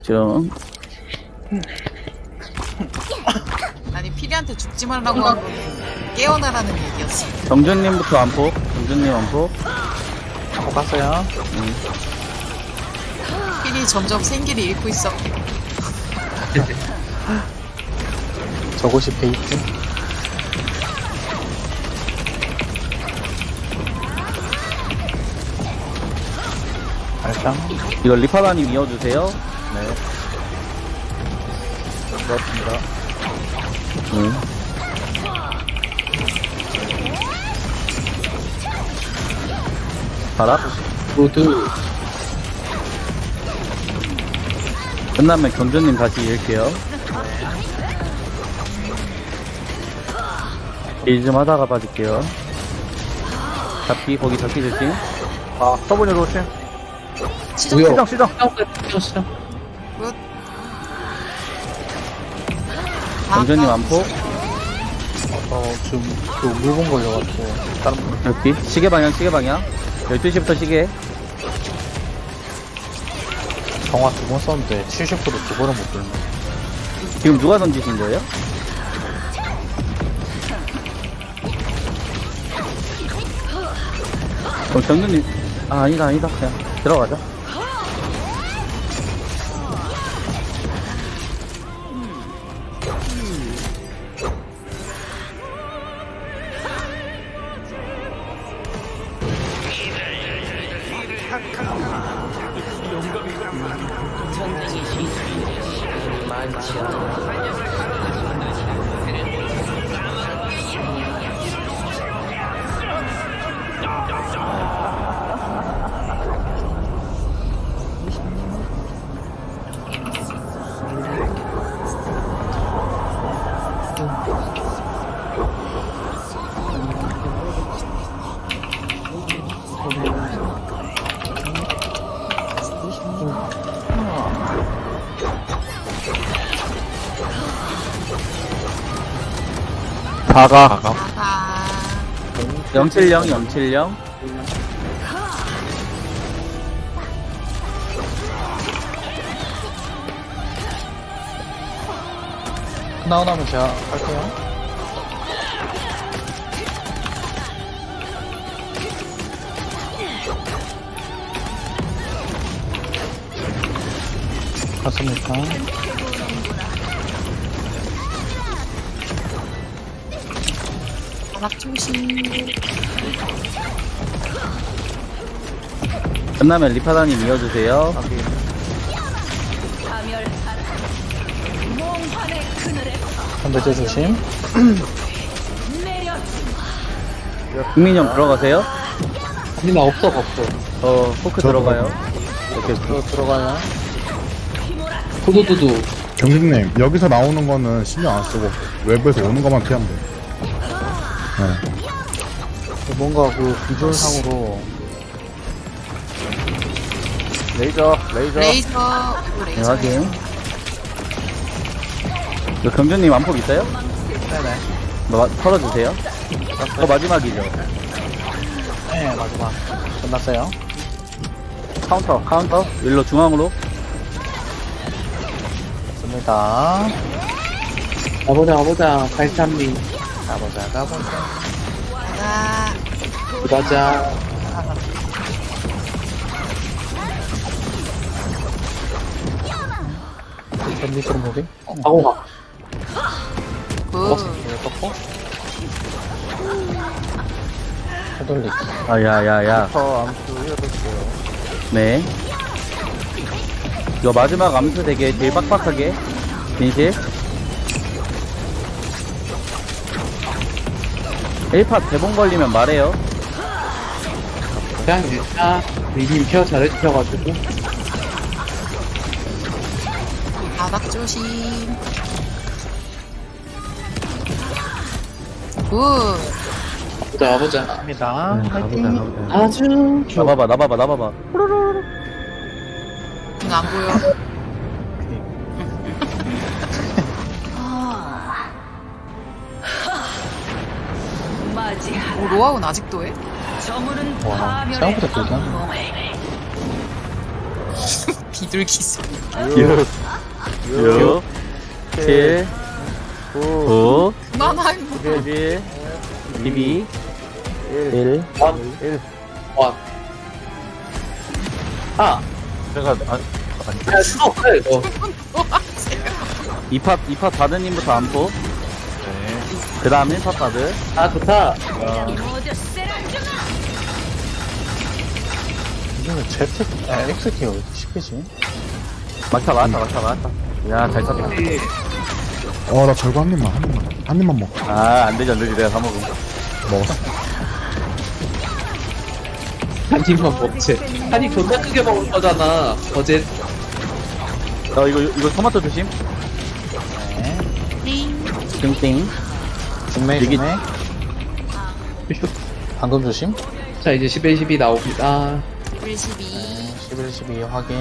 좀 아니 피리한테 죽지 말라고 한 거는 깨어나라는 얘기였어. 정준님부터 안폭. 정준님 안폭. 못 갔어요. 피리 점점 생기를 잃고 있어. 저곳이 베이트. 알짱. 이거 리파다님 이어주세요. 네. 그렇습니다. 바라. 모두 끝나면 경준님 다시 읽게요. 일 좀 하다가 빠질게요. 잡기, 거기 잡기 조심. 아 서브니로 오신. 시정 뭐야? 시정. 시정. 굿. 정준님 안폭. 지금 그 물건 걸려가지고 다른 분. 잡기. 시계 방향, 시계 방향. 12시부터 시계. 정화 2번 썼는데 70% 2번은 못 들네. 지금 누가 던지신 거예요? 그럼 정준님. 아, 아니다. 그냥 들어가자. 다가. 아, 070. 나오면 제가 할게요. 갔습니까? 바닥 조심. 끝나면 리파다님 이어주세요. 선배제 조심. 국민이 형 들어가세요. 아니 나 없어. 포크 들어가요. 이렇게 들어가요. 두두두두. 경진님 여기서 나오는 거는 신경 안 쓰고 외부에서 오는 것만 피하면 돼. 네. 뭔가 그 비주얼상으로 레이저. 네, 레이저. 확인. 이거 경준님 안폭 있어요? 네네. 털어주세요. 마지막이죠. 네 마지막 끝났어요. 카운터. 일로 중앙으로. 좋습니다. 가보자. 발산미. 가보자. 아, 가자. 밴디 좀 보게. 하고 가. 굿. 떴고. 해돌리기. 야야야. 암수 해볼게요. 네. 이거 마지막 암수 되게 제일 빡빡하게. 진실. 1팟 대본 걸리면 말해요. 그냥 일단 미리 케어 잘해주셔가지고 바닥 조심. 굿. 가보자. 합니다. 아주 좋아. 나봐봐. 이거 안 보여. 오, 로아운 아직도 해? 와, 생각보다 길게 하네. 비비 비둘기 소 6, 7, 9, 그만하고 11, 12, 1. 와. 아, 제가 수업 이거. 뭐하세요? 2팟 바드님부터 안포. 그 다음에 1팟 바드. 아, 좋다. 이거는 Z, XT 왜 이렇게 쉽게지? 막타. 야, 잘 쳤다. 나 절구 한 입만 먹어. 아, 안 되지. 내가 다 먹은 거. 먹었어. 한 입만 먹지. 한 입 존나 크게 먹을 거잖아. 어제. 이거 토마토 조심. 띵띵. 중매, 여기- 중매. 방금 조심. 자, 이제 11, 12 나옵니다. 12 11, 12 확인.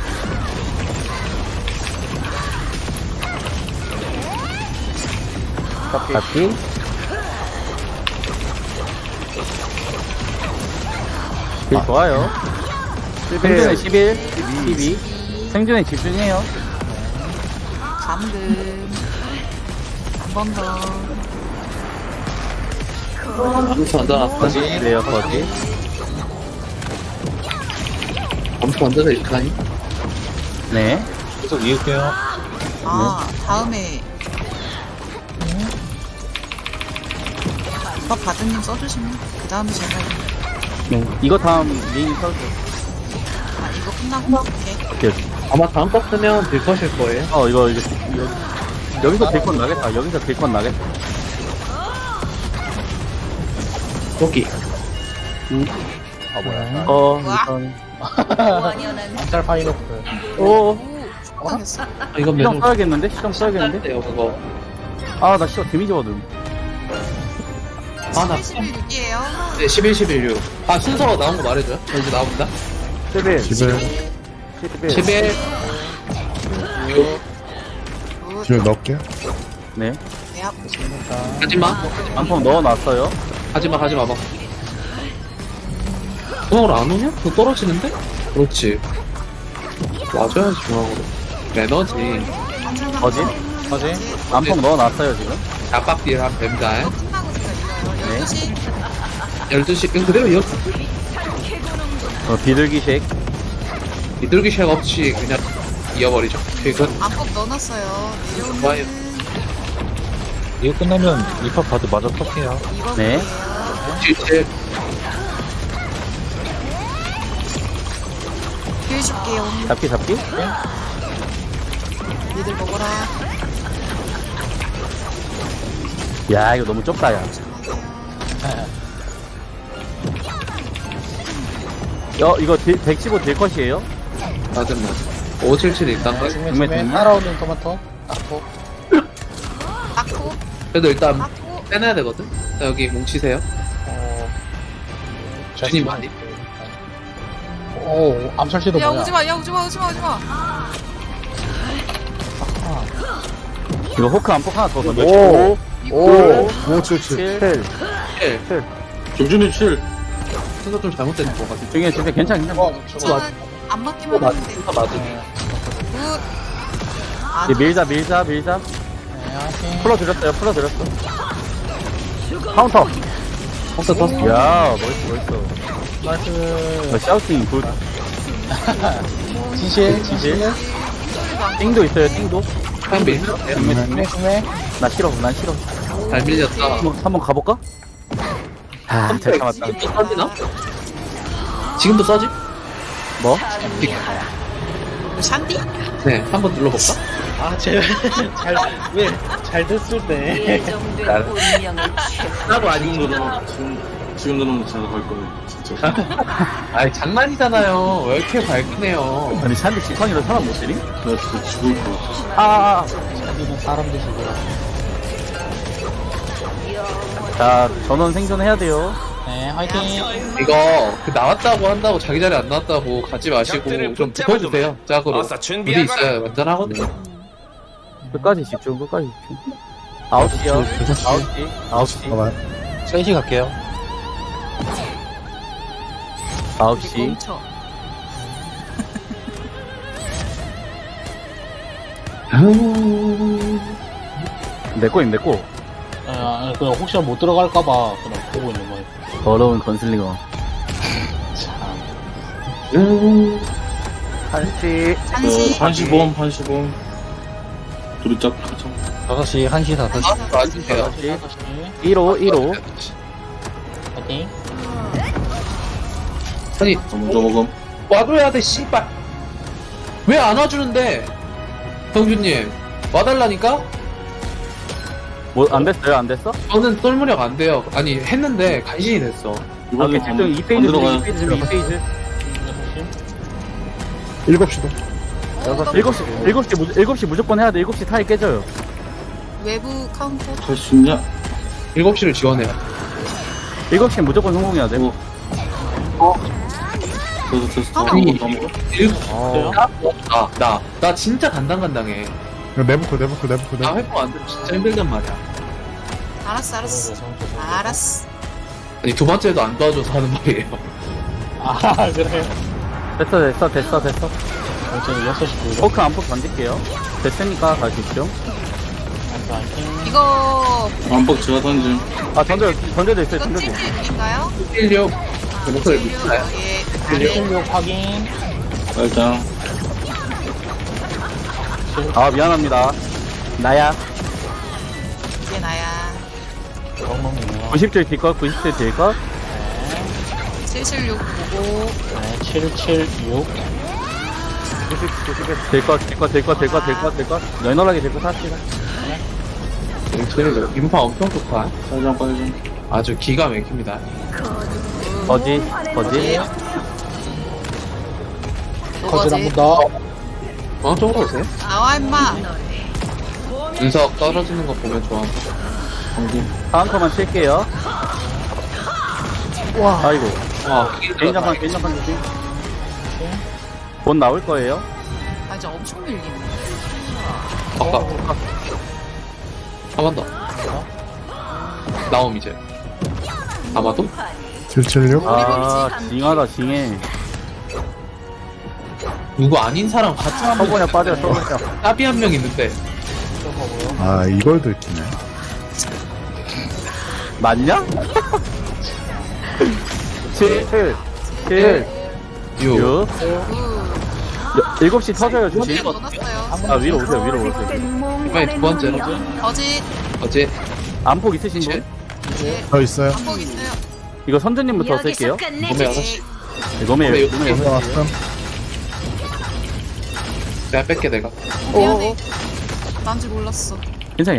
잡기. 좋아요. 생존에 11, 12. 생존에 집중해요. 감금 한 번 더 아무튼 얹어놨어. 그래요, 거기. 아무튼 얹어서 이렇게 하니? 네. 계속 이을게요. 아, 다음에 이거 바드님 써주시면 그 다음에 제가 이거 다음 메인 설정. 이거 끝나고 이렇게 아마 다음 거 쓰면 될 것일 거예요. 여기서 딜건 나겠다. 여기서 딜건 나겠다. 여기. 아, 뭐야. 우선. 짤 파이로프. 오, 당했어. 이건 시정 매우 써야겠는데? 시정 써야겠는데? 돼요, 그거. 아, 나 시정 데미지 받음. 아, 나 11이에요. 네, 11, 11, 6. 아, 순서가 나온 거 말해줘요? 저 이제 나옵니다. 11, 집에 11, 6. 집에 넣을게. 네. 네, 가지마. 안펑 넣어놨어요. 가지마, 가지마, 봐. 중앙으로 안 오냐? 그거 떨어지는데? 그렇지. 맞아야지, 중앙으로. 에너지. 거지? 뭐지? 안펑 넣어놨어요, 지금. 압박딜 한 뱀달. 이거 끝나고 제가 이거 12시 12시, 그냥 그대로 이어. 비둘기식. 비둘기 쉑 없이 그냥 이어버리죠. 퇴근. 안꼭 넣어놨어요. 좋아요. 내려오면 이거 끝나면 입학 바드 마저 턱해요. 이거 네. 뭐예요? 77. 길 줄게요. 잡기. 니들 먹어라. 야, 이거 너무 좁다, 야. 이거 115 딜컷이에요? 맞은 맞아. 577 일단 가. 중매, 중매, 중매. 중매. 따라오는 토마토. 딱고. 닦고 그래도 일단 닦고 빼놔야 되거든. 자, 여기 뭉치세요. 주님 많이. 오, 암살시도 야 뭐야? 오지마 오지마 이거 호크 안폭 하나 더 던져. 오. 5, 7, 7. 7. 7. 김준일 7. 순서 좀 잘못된 것 같아. 중에 진짜 괜찮아. 저거 맞. 안 맞기만 맞. 하면 돼. 순서 맞은. 굿. 아, 이제 밀자. 네, 확인. 풀어드렸어. 카운터. 순서 떴어. 야, 멋있어. 나이스. 샤우팅 굿. 진실. 띵도 있어요, 띵도. 한 밀. 중매. 난 싫어. 잘 밀렸다. 한번 가볼까? 아, 잘 참았다. 지금도 써지나? 지금도 써지? 뭐? 샨디? 네, 한번 눌러볼까? 아, 제발. 잘 됐을 때. 나도 아니고. 지금 누르면 제가 갈 거예요, 진짜. 아이, 장난이잖아요. 왜 이렇게 밝으네요. 아니, 샨디 지팡이로 사람 못 때리? 나 진짜 죽을 것 같아. 여기는 사람 드시고요. 자, 전원 생존해야 돼요. 네, 화이팅. 이거, 나왔다고 한다고 자기 자리 안 나왔다고 가지 마시고 좀 붙어주세요. 짝으로. 우리 있어요. 완전하거든요. 끝까지 집중. 9시요. 9시. 잠깐만. 3시 갈게요. 9시. 멈춰. 내 거임, 내 거. 그냥 혹시나 못 들어갈까봐 그냥 보고 있는 거예요. 더러운 건슬링어. 참. 한시. 한시. 한시범. 둘이 짝. 5시, 1시, 5시. 맞으세요. 1호, 1호. 파이팅. 아니, 먼저 먹음. 와줘야 돼, 씨발. 왜 안 와주는데? 성준님, 와달라니까? 뭐, 안 됐어요? 안 됐어? 저는 똘무력 안 돼요. 아니, 했는데 간신히 됐어. 아, 이번에 그 집중 2페이지, 들어가요. 2페이지. 7시도. 7시 무조건 해야 돼. 7시 타이 깨져요. 외부 카운터. 할 수 있냐? 7시를 지원해요. 7시 무조건 성공해야 돼. 됐어. 아니, 다 먹어. 나 진짜 간당간당해. 내부터. 나 회복 안 되면 진짜 힘들단 말이야. 알았어. 알았어. 아니, 두 번째도 안 도와줘서 하는 말이에요. 아, 그래요? 됐어. 저는 6시 보이러. 포크 안폭 던질게요. 됐으니까 가십시오. 파이팅. 이거 안뻑 제가 던짐. 아, 던져도 있어요, 이거 던져도 있어요. 찔찔인가요? 16. 그 목소리 찔찔. 믿나요? 예. 아래. 16 확인. 일단 아, 미안합니다. 나야. 이게 나야. 90줄 딜것, 90줄 딜것. 776 보고. 네, 776. 딜것. 널널하게 딜것 합시다. 저희 인파 엄청 좋다. 빨리. 아주 기가 막힙니다. 거지. 거짓 한번 더. 어느 쪽으로 오세요? 나와 임마. 운석 떨어지는 거 보면 좋아. 카운터만 칠게요. 와, 아이고. 와, 개인장판 조심. 곧 나올 거예요. 아 이제 엄청 밀리네. 아까 한 번 더. 나옴 이제. 아마도? 776. 아, 징해. 누구 아닌 사람 같이 하면 서버냐 빠져. 따비 한 명 있는데 아, 이걸 들키네. 맞냐? 7, 6 6. 7시 터져요, 조심. 거짓 넣어놨어요. 아, 위로 오세요. 이번에 두 번째로 거짓. 어제 안폭 있으신 분? 더 있어요. 반복 있어요. 이거 선주님부터 쓸게요. 몸에 6시 이거면 네, 6시. 왔음. 내가 뺄게 내가. 미안해. 난지 몰랐어. 괜찮아.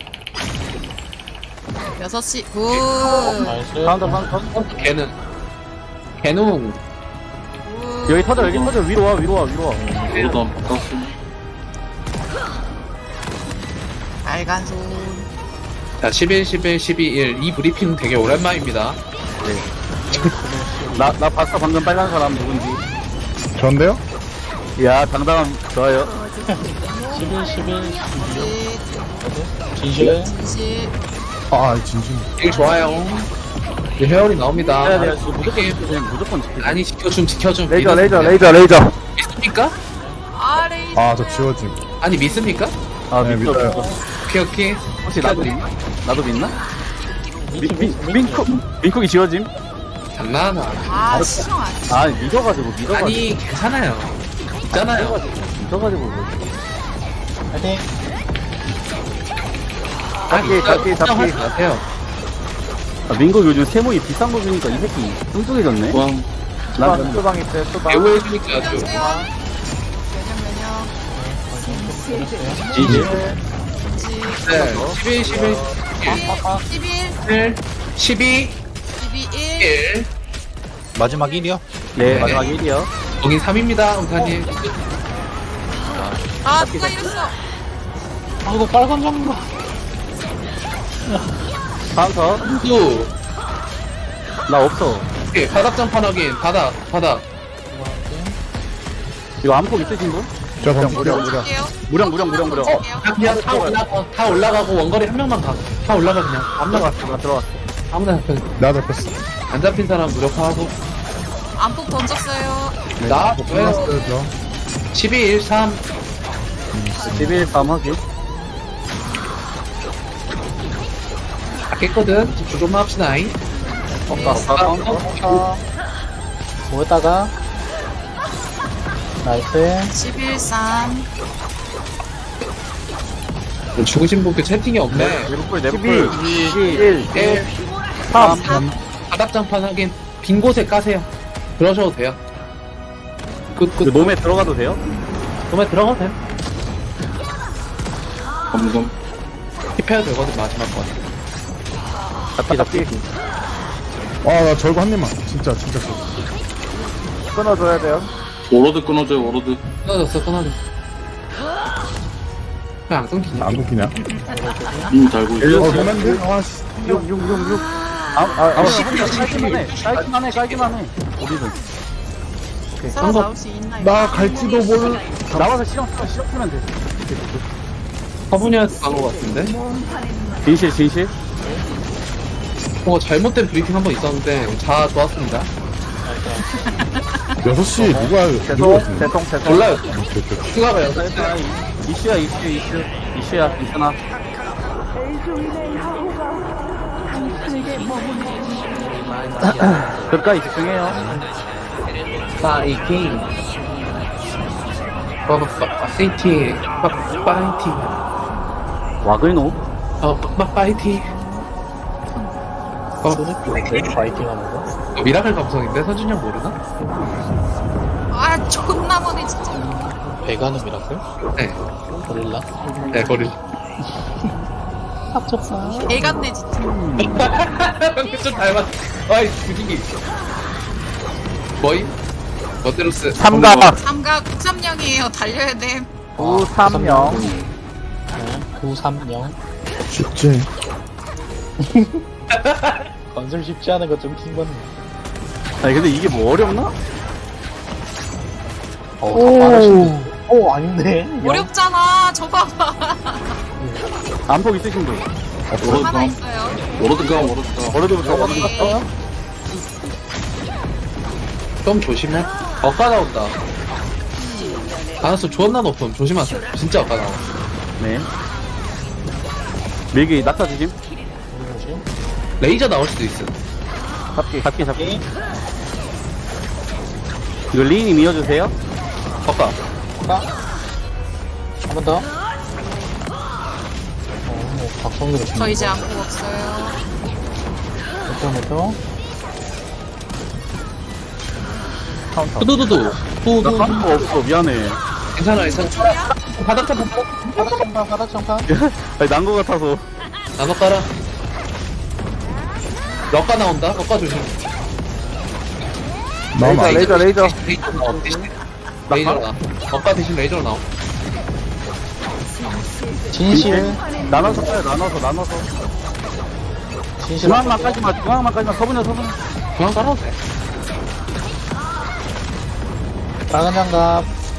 6시. 굿. 나이스. 카운터. 걔는 여기 터져. 위로 와. 오다 바꿨어. 빨간 손. 자 11, 1 이 브리핑 되게 오랜만입니다. 나 봤어. 방금 빨간 사람 누군지. 전데요? 야, 당당함 좋아요. 11, 11, 거짓. 진실. 진실. 아, 진심. 되게 좋아요. 이제 회원이 나옵니다. 해야 돼요. 무조건 지키세요. 아니 지켜줌. 레이저. 믿습니까? 아레이. 아, 저 지워짐. 아니 믿습니까? 아, 네, 믿어. 믿어요. 오케이. 혹시 나도 믿나? 민쿡이 지워짐? 장난하나. 아 시정 안. 아, 믿어가지고. 아니 괜찮아요. 있잖아요. 믿어가지고. 파이팅. 잡기. 가세요. 아, 민국 요즘 세모이 비싼 거 주니까 이 새끼 뚱뚱해졌네. 왕. 난 소방 있어요, 배우 해주니까 아주. 안녕하세요. 매년. 지지. 네. 11, 11, 11. 12, 12. 1. 마지막 1이요? 네, 마지막 1이요. 거긴 3입니다, 우타님. 아 누가 이랬어. 아, 이거 빨간 장갑. 카운터. 또, 나 없어. 오케이, 바닥장판 확인. 바닥. 이거 안폭 있으신 분? 저 방금 할게요. 무령. 할게요. 다 올라가고, 원거리 한 명만 가. 다 올라가, 그냥. 나 들어왔어. 아무나 잡혀. 나도 뺐어. 안 잡힌 사람 무력화하고. 안폭 던졌어요. 나, 왜? 끝났어요, 저. 12, 1, 3. 11밤 하기. 깼거든. 집중 좀만 합시다잉. 모였다가 나이스. 11산. 죽으신 분께 채팅이 없네. 내부풀, 11, 1, 1, 3. 바닥장판 하긴 빈 곳에 까세요. 그러셔도 돼요. 그 놈에 들어가도 돼요? 그만 들어가도 돼요. 검금. 힙해야 되거든, 마지막 건. 잡기. 나 절구 한 입만. 진짜. 끊어줘야 돼요. 워로드 끊어줘요, 워로드. 끊어졌어. 왜 안 끊기냐? 안 굽히냐? 달고 있어. 루맨드? 아씨. 6. 깔기만 해. 우리도. 살아나올 수 있나, 이거? 나 갈지도 모를. 나와서 실험 쓰면 돼. 화분이한테 간것 같은데? 진실. 잘못된 브리핑 한 번 있었는데, 자, 좋았습니다. 6시 누가 대통. 몰라요. 추가가 요 이슈야. 이슈나. 끝까지 집중해요. 파이팅. 파이팅. 파이팅. 와글노. 파이팅. 파이팅 하면서. 미라클 감성인데? 선준이 형 모르나? 아, 존나 머네, 진짜. 배가는 미라클? 네. 고릴라? 네, 거리. 애 같네, 진짜. 좀 닮았. 아이, 분위기. 뭐이? 머테로스. 삼각. 삼각 930이에요. 달려야 돼. 930. 930. 쉽지. 건설 쉽지 않은 거 좀 킹받네. 아니 근데 이게 뭐 어렵나? 오, 아닌데. 어렵잖아. 저 봐봐. 안폭 있으신 분. 워로드 하나 가. 있어요. 워로드 가, 워로드 가. 버려두부터 받았어? 좀 조심해. 엇가 나온다. 가능성 존나 높음. 조심하세요. 진짜 엇가 나와. 네. 밀기 낙타 조심. 레이저 나올 수도 있어. 잡기. 이거 리인이 밀어주세요. 엇가. 한 번 더. 박성규로 저 이제 안고 없어요. 몇 후두두두. 나 후두. 하는 거 없어. 미안해. 괜찮아. 바닥 바닥장판. 아니 난 거 같아서. 나눠 깔아. 엇가 나온다. 엇가 조심. 나오면 레이저. 레이저 나와. 레이저 나. 엇가 대신 레이저로 나와. 진실. 나눠서 써요. 나눠서. 진실. 중앙만 까지마. 서분여. 그냥 깔아도 돼. 빨간 장갑.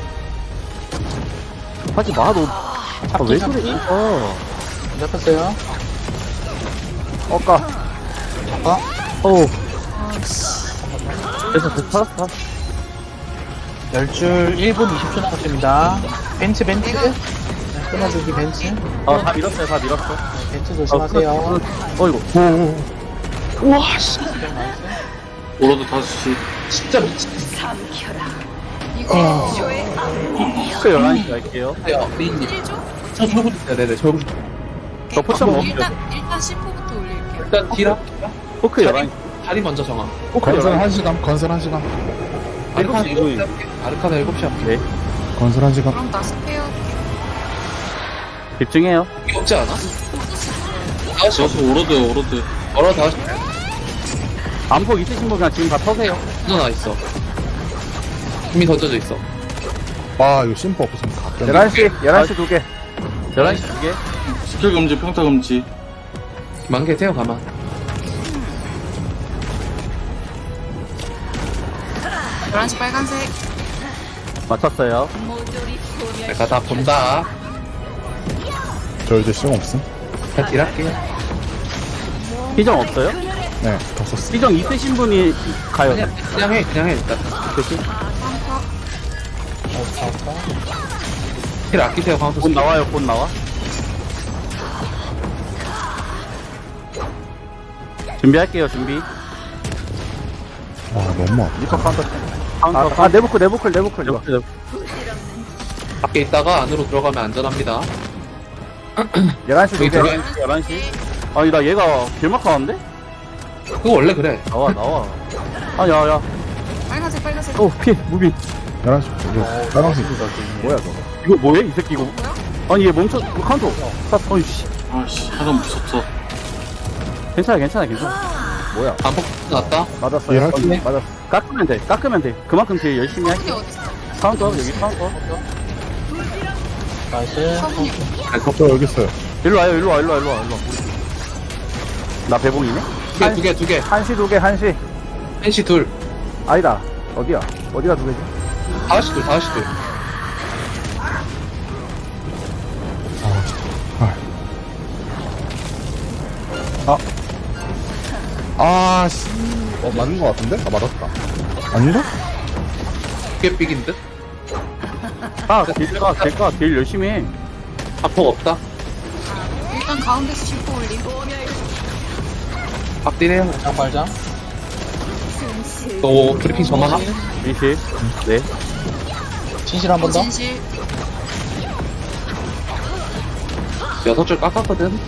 하지 마, 너. 왜 그래? 잡혔어요. 엇가. 어우. 됐어. 살았어. 10줄 1분 20초 남았습니다. 벤츠. 끊어주기 벤츠. 다 밀었어요. 벤츠 조심하세요. 어이구. 우와, 씨. 워로드 5시. 진짜 미친. 이거 그 11시 갈게요. 야, 리인님. 1조? 저 저거 주세요. 네네, 저거 주세요. 저 포션 먹을게요. 일단 10호부터 올릴게요. 일단 딜하. 포크 11시. 다리 먼저 정하. 건설 1시간. 건설 1시간. 아르카나 이거 7시 할게. 아르카나 7시 할게. 네. 건설 1시간. 그럼 나 스페어. 집중해요. 이게 없지 않아? 5시. 워로드. 얼어 5시. 안폭 있으신 분 그냥 지금 다 터세요. 던져놔 있어. 이미 던져져 있어. 이거 심포 없으면 가끔. 11시 2개. 11시 2개. 스킬 금지, 평타 금지. 만개 태워 가만. 노란시 빨간색. 맞췄어요. 내가 다 본다. 저 이제 시험 없음. 다 딜할게. 희정 없어요? 네, 다 썼어. 희정 있으신 분이 가요. 그냥 해 일단. 그치? 힐 아끼세요, 카운터 곧 스킬. 나와요, 곧 나와. 준비할게요, 준비. 아, 너무 아파. 리퍼 카운터. 카운터, 내부클 이거. 밖에 있다가 안으로 들어가면 안전합니다. 11시 저기 두개 들어가- 11시. 아니, 나 얘가 길막하는데? 그거 원래 그래. 나와. 아, 야. 빨간색 빨간색. 오, 피해, 무비. 11시, 이거, 빨간색. 뭐야 저거? 이거 뭐야, 이 새끼 이거? 뭐야? 아니, 얘 멈춰, 카운터. 어이씨. 아씨, 사람 무섭어. 괜찮아. 뭐야? 반복 났다. 맞았어요. 예, 할게. 맞았어. 깎으면 돼. 그만큼 딜 열심히 할게. 서분이 어딨어? 카운터, 여기 카운터. 나이스. 서분이. 저 여기 있어요. 일로 와. 나 배봉이네? 두 개. 한시 두 개, 한시. 한시 둘. 아니다. 어디야? 어디가 두 개지? 5시 둘. 아, 씨. 맞는 거 같은데? 아, 맞았다. 아닌가? 두개 삑인 듯? 딜 열심히 해. 압폭 없다. 일단 가운데서 10호 올림. 박디네요. 발장. 또 브리핑 전화가? 미시. 네. 진실 한 번 더. 진실. 6줄 깎았거든.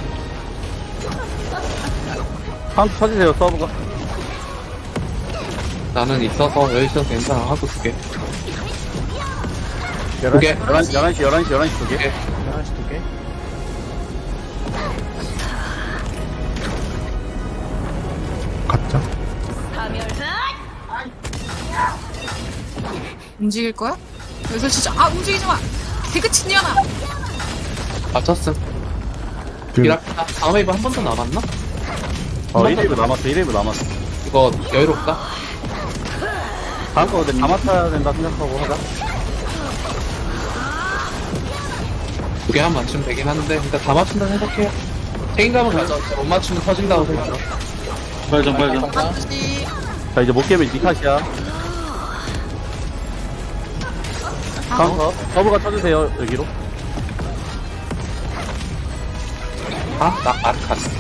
카운터 쳐주세요, 서브가. 나는 있어서 여기 있어서 괜찮아. 하고 두 개. 두 개. 11시 두 개. 11시 두 개. 가짜? 움직일 거야? 여기서 진짜 움직이지 마. 개그친 년아. 맞췄음. 그, 이랍니다. 다음 웨이브 한 번 더 남았나? 1회브 남았어. 이거 여유롭다. 다음 거 근데 다 맞춰야 된다 생각하고 하자. 두 개 한 맞추면 되긴 하는데 일단 다 맞춘다 생각해요. 책임감을 가져. 못 맞추면 터진다고 생각해. 빨장. 한시. 자, 이제 못 깨면 니 탓이야. 카운터. 서브가 쳐주세요, 여기로. 나 아르카스.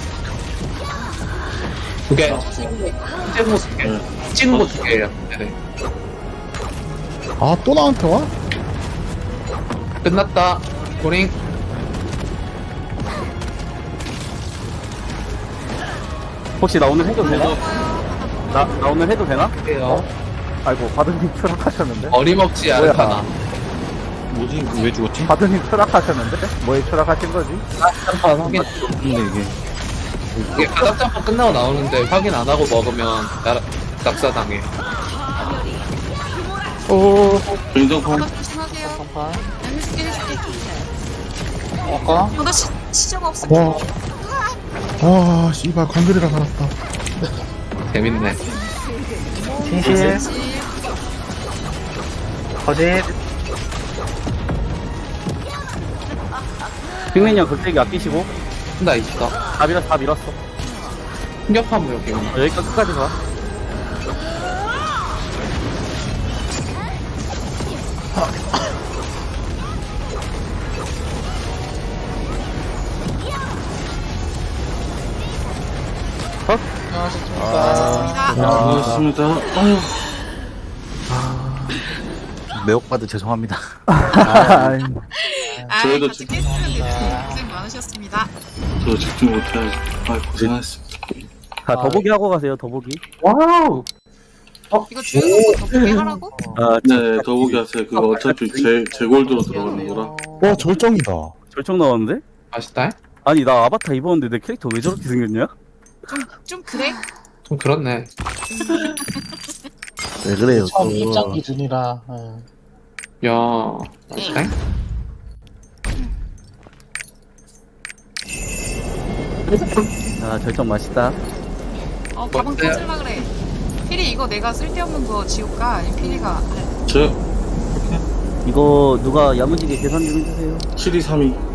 두 개. 찍은 거 두 개. 찍은 거 두 개예요. 네네. 아, 또 나한테 와? 끝났다. 고링. 혹시 나 오늘 해도 되나? 나 오늘 해도 되나? 해요. 아이고, 바드님 추락하셨는데? 어림없지 아르카나. 뭐지? 왜 죽었지? 바드님 추락하셨는데? 뭐에 추락하신 거지? 깜판 확인. 근데 이게 바닥짬뽕 끝나고 나오는데 확인 안 하고 먹으면 낙사당해. 굉장판. 바닥 조심하세요. 해줄게. 아까? 나 시정 없어. 와. 아, 씨발, 건드리라 살았다. 재밌네. 진실. 거짓. 빅맨이 형 극대기 아끼시고. 나 있어. 다 밀었어. 충격파 무역 이거. 여기까지 끝까지 가. 고맙습니다. 고맙습니다. 아유. 매혹받아 죄송합니다. 저희도 같이 깼으면 되는데 고생 많으셨습니다. 저 집중 못해야지. 고생하셨습니다. 자, 더보기 하고 가세요, 더보기. 와우. 이거 주유소 더 보게 하라고? 아, 네, 더보기 하세요. 그거 어차피 제 골드로 들어가는 거라. 와, 절정이다. 절정 나왔는데? 맛있다. 아니, 나 아바타 입었는데 내 캐릭터 왜 저렇게 생겼냐? 좀 그래? 좀 그렇네. 왜 그래요? 처음 입장 기준이라. 야, 맛있다. 아, 절정 맛있다. 가방 뭔데? 터질라 그래. 피리 이거 내가 쓸데없는 거 지울까? 아니 피리가 저 이거 누가 야무지게 계산 좀 해주세요. 7232.